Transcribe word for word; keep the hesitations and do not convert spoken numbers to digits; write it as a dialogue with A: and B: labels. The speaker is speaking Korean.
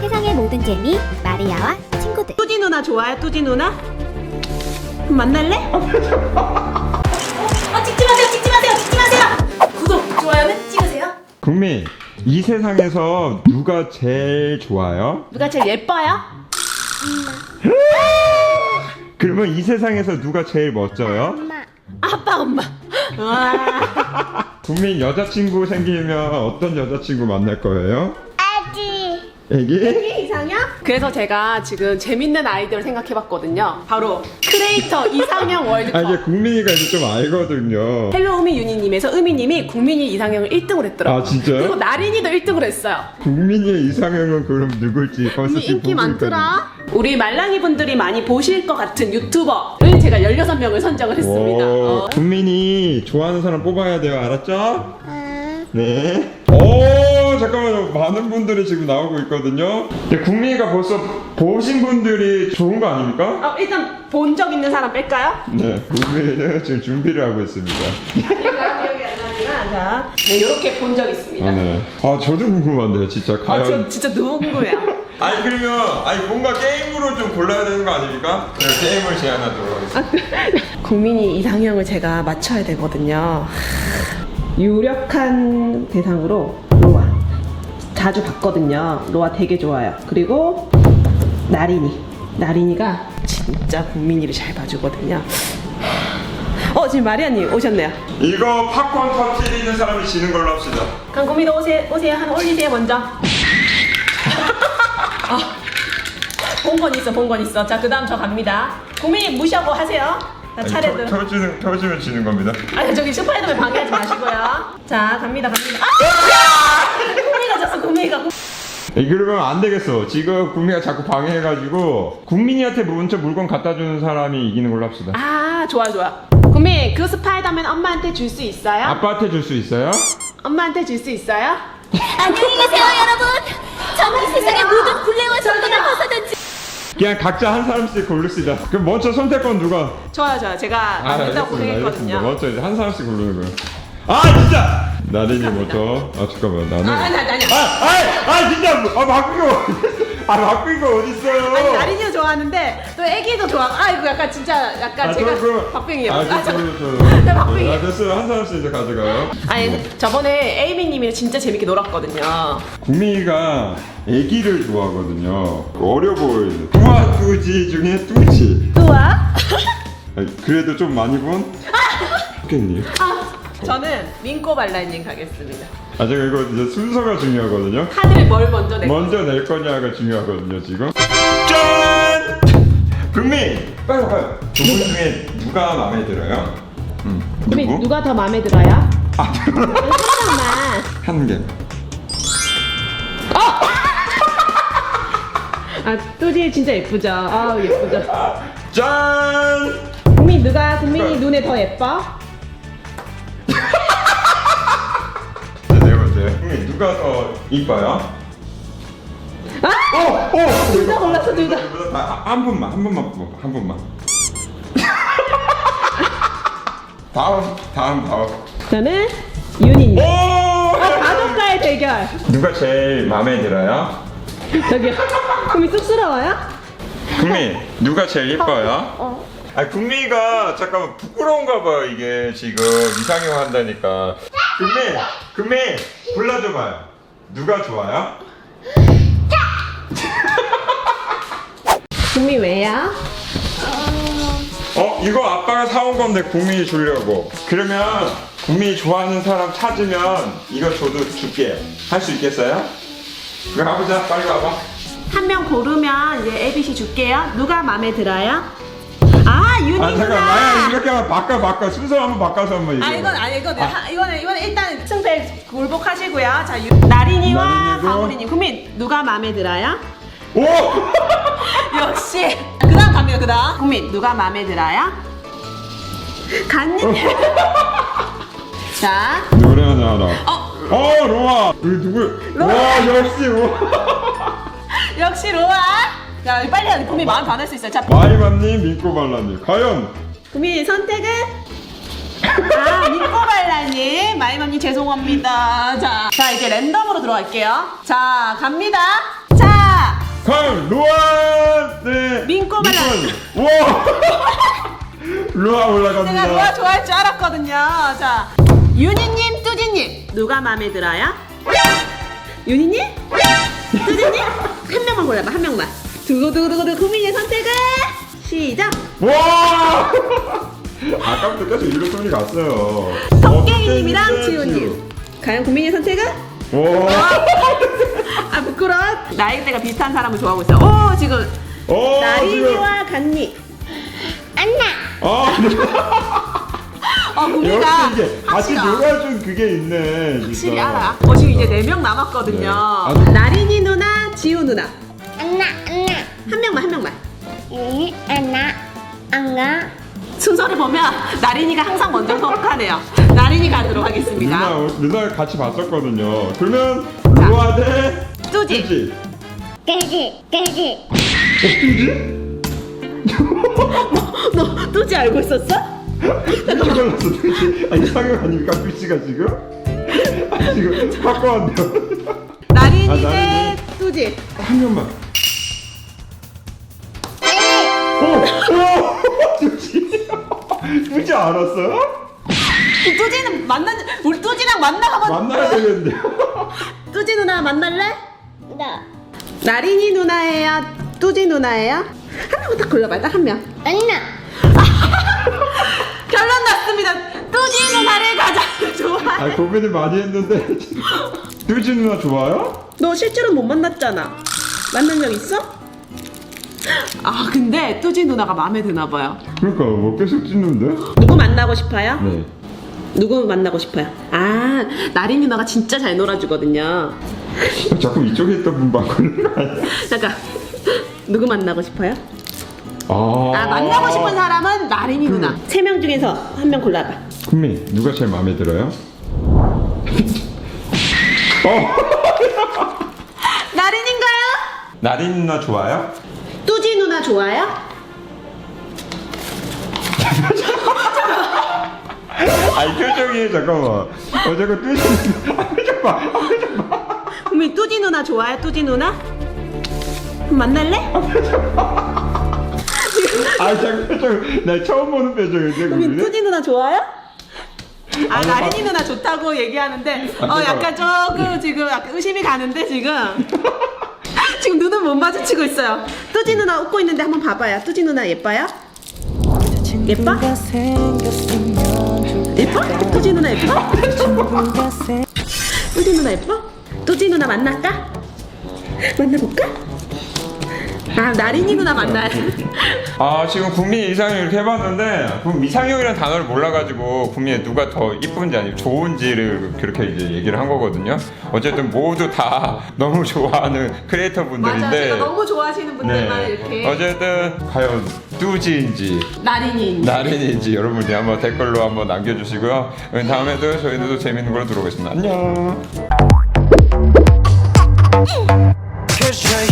A: 세상의 모든 재미 마리아와 친구들.
B: 뚜지 누나 좋아요? 뚜지 누나? 그럼 만날래? 어, 찍지 마세요, 찍지 마세요, 찍지 마세요. 구독, 좋아요는 찍으세요.
C: 국민, 이 세상에서 누가 제일 좋아요?
B: 누가 제일 예뻐요?
C: 그러면 이 세상에서 누가 제일 멋져요?
A: 엄마.
B: 아빠, 엄마. 와.
C: 국민, 여자친구 생기면 어떤 여자친구 만날 거예요?
A: 아기.
C: 애기?
B: 이상형? 그래서 제가 지금 재밌는 아이디어를 생각해봤거든요. 바로 크리에이터 이상형 월드컵.
C: 아, 이게 국민이가 이제 좀 알거든요.
B: 헬로 우미 유니님에서 우미님이 국민이 이상형을 일 등을 했더라고요.
C: 아, 진짜요?
B: 그리고 나린이도 일 등을 했어요.
C: 국민이의 이상형은 그럼 누굴지 벌써
B: 국민
C: 지금
B: 인기
C: 보고
B: 많더라. 우리 말랑이 분들이 많이 보실 것 같은 유튜버를 제가 열여섯 명을 선정을 했습니다.
C: 오,
B: 어.
C: 국민이 좋아하는 사람 뽑아야 돼요. 알았죠?
A: 응.
C: 네. 오, 잠깐만요. 많은 분들이 지금 나오고 있거든요. 근데 국민이가 벌써 보신 분들이 좋은 거 아닙니까?
B: 어, 일단 본 적 있는 사람 뺄까요?
C: 네. 국민이는 지금 준비를 하고 있습니다.
B: 제가 기억이 안 나지만 자, 네, 이렇게 본 적 있습니다.
C: 아, 네. 아, 저도 궁금한데요. 진짜
B: 아,
C: 과연.
B: 저 진짜 너무 궁금해요.
C: 아니, 그러면 아니 뭔가 게임으로 좀 골라야 되는 거 아닙니까? 그냥 게임을 제안하도록 하겠습니다.
B: 국민이 이상형을 제가 맞춰야 되거든요. 유력한 대상으로 로아 자주 봤거든요. 로아 되게 좋아요. 그리고 나린이 나린이가 진짜 국민이를 잘 봐주거든요. 어, 지금 마리아님 오셨네요.
C: 이거 팝콘 터트리는 사람이 지는 걸로 합시다.
B: 그럼 국민이 오세요. 오세요. 하나 올리세요 먼저. 어, 본 건 있어, 본 건 있어. 자, 그 다음 저 갑니다. 국민이 무시하고 하세요. 자, 차례들.
C: 터, 터지는, 터지면 지는 겁니다.
B: 아니, 저기 슈퍼헤드맨 방해하지 마시고요. 자, 갑니다, 갑니다. 아! 국민이가 졌어, 국민이가.
C: 에, 그러면 안 되겠어. 지금 국민이가 자꾸 방해해가지고 국민이한테 먼저 물건 갖다 주는 사람이 이기는 걸로 합시다.
B: 아, 좋아, 좋아. 국민, 그 스파이더맨 엄마한테 줄 수 있어요?
C: 아빠한테 줄 수 있어요?
B: 엄마한테 줄 수 있어요?
A: 안녕히 계세요, 여러분. 저는 이 세상의 모든 굴레와 정도를 벗어던지.
C: 그냥 각자 한 사람씩 고릅시다. 그럼 먼저 선택권 누가?
B: 좋아요, 좋아요. 제가 만든다고 고생했거든요.
C: 먼저 이제 한 사람씩 고르는 거예요. 아, 진짜! 나린이 먼저. 아, 잠깐만. 나는.
B: 아, 아니, 아니, 아니.
C: 아, 아, 아, 진짜! 아, 바꾸고! 아, 바꾸고 어딨어요?
B: 아니, 나린이도 좋아하는데 또 애기도 좋아. 아, 이거 약간 진짜 약간
C: 아,
B: 제가
C: 저, 그-
B: 박빙이에요.
C: 아,
B: 아,
C: 저,
B: 저,
C: 저, 저.
B: 네, 박빙이에요.
C: 아, 됐어요. 한 사람씩 이제 가져가요.
B: 아니, 저번에 에이미님이랑 진짜 재밌게 놀았거든요.
C: 국민이가 애기를 좋아하거든요. 어려 보이는. 뚜아 뚜지 중에 뚜지.
B: 또와?
C: 아니, 그래도 좀 많이 본? 님
B: 아, 저는 민꼬 발라님 가겠습니다.
C: 아, 제가 이거 이제 순서가 중요하거든요.
B: 카드를 뭘 먼저 낼
C: 먼저 낼 거냐가 중요하거든요, 지금. 짠! 국민! 빨리 빨리. 두 분 중에 누가 마음에 들어요? 음,
B: 국민,
C: 누구?
B: 누가 더 마음에 들어요?
C: 아,
B: 잠깐만.
C: 한 개.
B: 아, 뚜지 진짜 예쁘죠? 아, 예쁘죠?
C: 짠!
B: 국민, 누가 국민이 눈에 더 예뻐?
C: 네 번째. 국민, 누가 더 이뻐요?
B: 아!
C: 오! 오!
B: 둘 다 골랐어, 둘 다.
C: 아, 한 분만, 한 분만 뽑아, 한 분만. 다음, 다음, 다음.
B: 저는 윤희님.
C: 오!
B: 가족과의 대결.
C: 누가 제일 마음에 들어요?
B: 저기요. 국민 쑥스러워요?
C: 국민, 누가 제일 예뻐요? 아, 국민이가 잠깐만 부끄러운가 봐요. 이게 지금 이상형 한다니까. 국민, 국민 골라줘봐요. 누가 좋아요?
B: 국민 왜요?
C: 어, 이거 아빠가 사온 건데 국민이 주려고. 그러면 국민이 좋아하는 사람 찾으면 이거 저도 줄게. 할 수 있겠어요? 그럼 가보자. 빨리 와봐.
B: 한 명 고르면 이제 에이비씨 줄게요. 누가 마음에 들어요? 아, 윤희
C: 아, 잠깐,
B: 누나.
C: 아야, 이렇게 하면 바꿔, 바꿔. 순서 한번 바꿔서 한번 얘기해.
B: 아, 이건 아니 이건 하- 이거는 이거는 일단 승패 굴복하시고요. 자, 유, 나린이와
C: 나린이고.
B: 강우리님. 국민 누가 마음에 들어요?
C: 오!
B: 역시. 그다음 갑니다. 그다음. 국민 누가 마음에 들어요? 간님. 자,
C: 노래 하나 알아.
B: 어,
C: 어, 로아. 우리 누구?
B: 로아.
C: 와, 역시 로아.
B: 역시 로아. 자, 빨리 하자. 국민 마음 변할 수 있어요. 자,
C: 마이맘님, 민꼬발라님. 과연
B: 국민 선택은? 아, 민꼬발라님, 마이맘님 죄송합니다. 자, 자 이제 랜덤으로 들어갈게요. 자, 갑니다. 자,
C: 과연 로아 네
B: 민꼬 발랄.
C: 와 로아 올라갑니다.
B: 제가 로아 좋아할 줄 알았거든요. 자, 윤희님, 뚜지님 누가 마음에 들어요? 윤희님? 뚜지님? 한 명만 골라봐, 한 명만. 두구두구두구 국민의 선택은 시작.
C: 와 아까부터 계속 이런 소리 갔어요.
B: 토깽이님이랑
C: 어,
B: 지우님. 과연 국민의 선택은?
C: 와
B: 아 부끄러워. 나이대가 비슷한 사람을 좋아하고 있어. 오 지금
C: 어,
B: 나린이와 간니.
A: 안나.
C: 아
B: 어 국민이가
C: 역시 이게 같이
B: 확실하-
C: 놀아준 그게 있네.
B: 확실히
C: 진짜.
B: 알아. 어 지금 이제 네 명 남았거든요.
C: 네. 아,
B: 나린이 누나, 지우 누나.
A: 안나 안나.
B: 한 명만 한 명만.
A: 응 안나 안나.
B: 순서를 보면 나린이가 항상 먼저 선곡하네요. 나린이 가도록 하겠습니다.
C: 누나 누나 같이 봤었거든요. 그러면
B: 자.
C: 로아 대
B: 뚜지.
C: 뚜지.
A: 깨지 깨지.
C: 어, 뚜지?
B: 너 뚜지 알고 있었어?
C: 뚜지 걸렸어 뚜지. 아 이상형 아닙니까 뚜지가 지금? 아, 지금 바꿔왔네요.
B: 나린이
C: 아,
B: 대
C: 나린이.
B: 뚜지.
C: 한 명만. 오! 오! 뚜지. 뚜지 알았어요?
B: 그 뚜지는 만나 우리 뚜지랑 만나가면
C: 만나야 되겠는데요?
B: 뚜지 누나 만날래?
A: 나.
B: 나린이 누나예요? 뚜지 누나예요? 한 명만 딱 골라봐요. 딱 한 명.
A: 안나.
B: 결론 났습니다. 뚜지 누나를 가장
C: 아
B: 좋아해.
C: 고민을 많이 했는데 뚜지 누나 좋아요?
B: 너 실제로 못 만났잖아. 만난 적 있어? 아 근데 뚜지 누나가 마음에 드나 봐요.
C: 그러니까 뭐 계속 찢는데?
B: 누구 만나고 싶어요?
C: 네.
B: 누구 만나고 싶어요? 아 나린 누나가 진짜 잘 놀아주거든요.
C: 자꾸 이쪽에 있던 분 바꾸는 거 아니야?
B: 잠깐 누구 만나고 싶어요?
C: 아,
B: 아 만나고 싶은 사람은 나린이 누나. 세 명 중에서 한 명 골라봐.
C: 국민 누가 제일 마음에 들어요? 어
B: 나린인가요?
C: 나린 누나 좋아요?
B: 뚜지 누나 좋아요?
C: 아이 표정이 잠깐만. 어 잠깐 뚜지 누나. 아 표정 봐. 아 표정 봐.
B: 국민 뚜지 누나 좋아요? 뚜지 누나? 그럼 만날래?
C: 아 잠깐 표정. 나 처음 보는 표정인데
B: 국민
C: 국민.
B: 뚜지 누나 좋아요? 아
C: 아니,
B: 나린이
C: 봐.
B: 누나 좋다고 얘기하는데
C: 아,
B: 어
C: 잠깐만.
B: 약간 조금 지금 약간 의심이 가는데 지금 지금 눈은 못 마주치고 있어요. 뚜지 누나 웃고 있는데 한번 봐봐요. 뚜지 누나 예뻐요? 예뻐? 예뻐? 뚜지 누나 예뻐? 뚜지 누나 예뻐? 뚜지 누나 만날까? 만나볼까? 아 나린이 누나 만나야 돼.
C: 아 지금 국민 이상형 이렇게 해봤는데 그럼 이상형이라는 단어를 몰라가지고 국민이 누가 더 이쁜지 아니면 좋은지를 그렇게 이제 얘기를 한 거거든요. 어쨌든 모두 다 너무 좋아하는 크리에이터 분들인데.
B: 맞아, 제가 너무 좋아하시는 분들만 이렇게
C: 어쨌든 과연 뚜지인지
B: 나린이
C: 나린인지 여러분들이 한번 댓글로 한번 남겨주시고요. 다음에도 저희들도 재밌는 걸로 들어오겠습니다. 안녕.
D: Cause you're